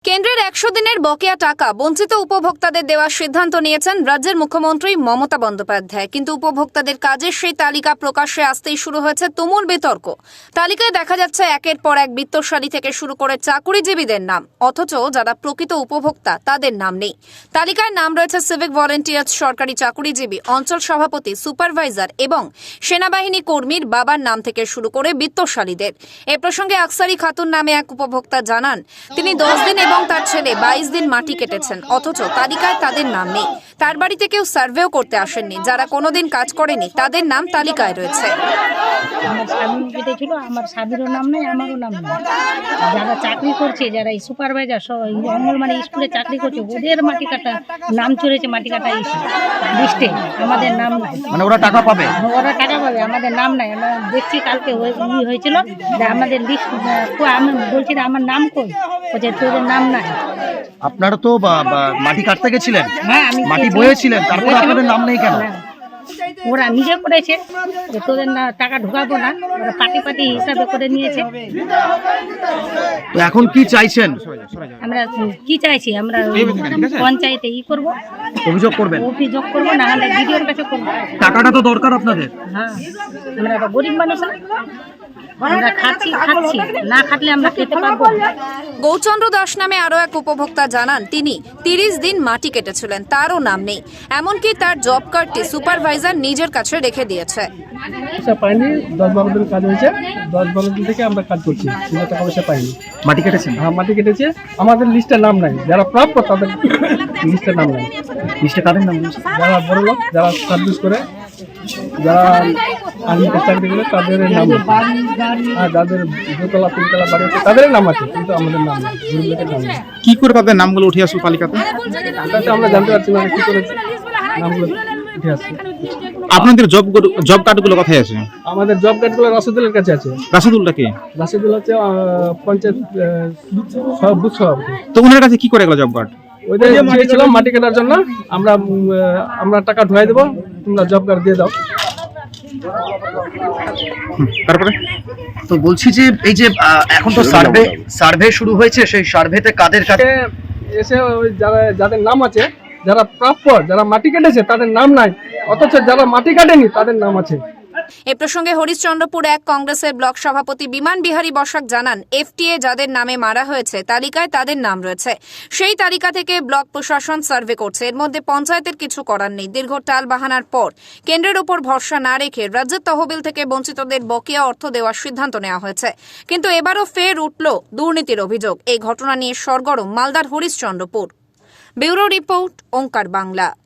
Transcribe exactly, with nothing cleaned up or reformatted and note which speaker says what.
Speaker 1: কেন্দ্রের একশো দিনের বকেয়া টাকা বঞ্চিত উপভোক্তাদের দেওয়ার সিদ্ধান্ত নিয়েছেন রাজ্যের মুখ্যমন্ত্রী মমতা বন্দ্যোপাধ্যায়। কিন্তু উপভোক্তাদের কাজের সেই তালিকা প্রকাশ্যে আসতেই শুরু হয়েছে তুমুল বিতর্ক। তালিকায় দেখা যাচ্ছে একের পর এক বিত্তশালী থেকে শুরু করে চাকুরিজীবীদের নাম, অথচ যারা প্রকৃত উপভোক্তা তাদের নাম নেই। তালিকায় নাম রয়েছে সিভিক ভলেন্টিয়ার্স, সরকারি চাকুরিজীবী, অঞ্চল সভাপতি, সুপারভাইজার এবং সেনাবাহিনী কর্মীর বাবার নাম থেকে শুরু করে বিত্তশালীদের। এ প্রসঙ্গে আকসারি খাতুন নামে এক উপভোক্তা জানান, তিনি দশ দিন এবং তার ছেলে বাইশ দিন মাটি কেটেছেন, অথচ তালিকায় তাদের নাম নেই। তার বাড়িতে কেউ সার্ভেও করতে আসেননি। যারা কোনোদিন কাজ করেনি তাদের নাম তালিকায় রয়েছে।
Speaker 2: আমার স্বামী কেটেছিল, আমার স্বামীরও নাম নেই, আমারও নাম নেই। যারা চাকরি করছে, যারা এই সুপারভাইজার, অঙ্গনবাড়ি স্কুলে চাকরি করছে, ওদের মাটি কাটা নাম চলেছে, মাটি কাটা লিস্টে আমাদের নাম নাই।
Speaker 3: মানে ওরা টাকা পাবে?
Speaker 2: ওরা টাকা পাবে, আমাদের নাম নাই। আমরা দেখছি কালকে ই হয়েছিল যে আমাদের লিস্ট, আমি বলছি না আমার নাম কই, বলছে তোদের নাম নাই।
Speaker 3: আপনারা তো মাটি কাটতে গেছিলেন,
Speaker 2: হ্যাঁ আমি
Speaker 3: মাটি বয়েছিলেন, তারপরে আপনাদের নাম নেই কেন?
Speaker 2: ওরা নিজে করেছে যে তোদের না টাকা ঢোকাবো না, ওরা পার্টি পার্টি হিসাবে করে নিয়েছে।
Speaker 3: তো এখন কি চাইছেন?
Speaker 2: আমরা কি চাইছি, আমরা পঞ্চায়েতে ই করব,
Speaker 3: অভিযোগ করবেন?
Speaker 2: অভিযোগ করবো, না হলে বিডিওর কাছে করবো।
Speaker 3: টাকাটা তো দরকার আপনাদের।
Speaker 2: হ্যাঁ, আমরা তো গরিব মানুষ, আমরা খাচ্ছি খাচ্ছি না খাটলে আমরা খেতে পারবো।
Speaker 1: গৌরচন্দ্র দাস নামে আরো এক উপভোক্তা জানান, তিনি তিরিশ দিন মাটি কেটেছিলেন, তারও নাম নেই। এমনকি তার জব কার্ডটি সুপারভাইজার নিজের কাছে রেখে দিয়েছে।
Speaker 4: পাইনি, দশ বারো দিন কাজ হয়েছে, দশ বারো দিন থেকে আমরা কাজ করছি, টাকা পয়সা পাইনি।
Speaker 3: মাটি কেটেছেন?
Speaker 4: হ্যাঁ মাটি কেটেছে, আমাদের লিস্টে নাম নাই। যারা প্রাপ্য তাদের লিস্টে নাম নাই।
Speaker 3: লিস্টে কাদের নাম?
Speaker 4: যারা বড় লোক, যারা সার্ভিস করে, যারা আর্মিতে চাকরি করে তাদের নাম আছে। আর যাদের দোতলা তিনতলা বাড়ি আছে তাদের নাম আছে, কিন্তু আমাদের নাম নেই, গরিব লোকের নাম নেই।
Speaker 5: কি করে তাদের নামগুলো উঠে আসলো তালিকাতে?
Speaker 4: তাতে আমরা জানতে পারছি না কি করে নামগুলো উঠে আসছে।
Speaker 5: আপনাদের জব জব কার্ডগুলো কোথায় আছে?
Speaker 4: আমাদের জব কার্ডগুলো রাশেদুলের কাছে আছে।
Speaker 5: রাশেদুলটা কি?
Speaker 4: রাশেদুল হচ্ছে পঞ্চায়েত বুথ সভাপতি।
Speaker 5: তো ওনার কাছে কি করে গেল জব কার্ড?
Speaker 4: ওইটা চেয়েছিলাম মাটি কাটার জন্য, আমরা আমরা টাকা ঢুকাই দেবো, তোমরা জব কার্ড দিয়ে দাও।
Speaker 5: তারপরে
Speaker 3: তো বলছি যে এই যে এখন তো সার্ভে সার্ভে শুরু হয়েছে, সেই সার্ভেতে কাদের কাছে
Speaker 4: এসে ওই যারা যাদের নাম আছে, যারা প্রাপ্য, যারা মাটি কেটেছে তাদের নাম নাই, অথচ যারা মাটি কাটেনি তাদের নাম আছে।
Speaker 1: এ প্রসঙ্গে হরিশ্চন্দ্রপুর এক কংগ্রেসের ব্লক সভাপতি বিমান বিহারী বসাক জানান, এফটিএ যাদের নামে মারা হয়েছে তালিকায় তাদের নাম রয়েছে। সেই তালিকা থেকে ব্লক প্রশাসন সার্ভে করছে। এর মধ্যে পঞ্চায়েতের কিছু করার নেই। দীর্ঘ টাল বাহানার পর কেন্দ্রের উপর ভরসা না রেখে রাজ্যের তহবিল থেকে বঞ্চিতদের বকেয়া অর্থ দেওয়ার সিদ্ধান্ত নেওয়া হয়েছে। কিন্তু এবারও ফের উঠল দুর্নীতির অভিযোগ। এই ঘটনা নিয়ে সরগরম মালদার হরিশ্চন্দ্রপুর। Bureau report, Omkar Bangla.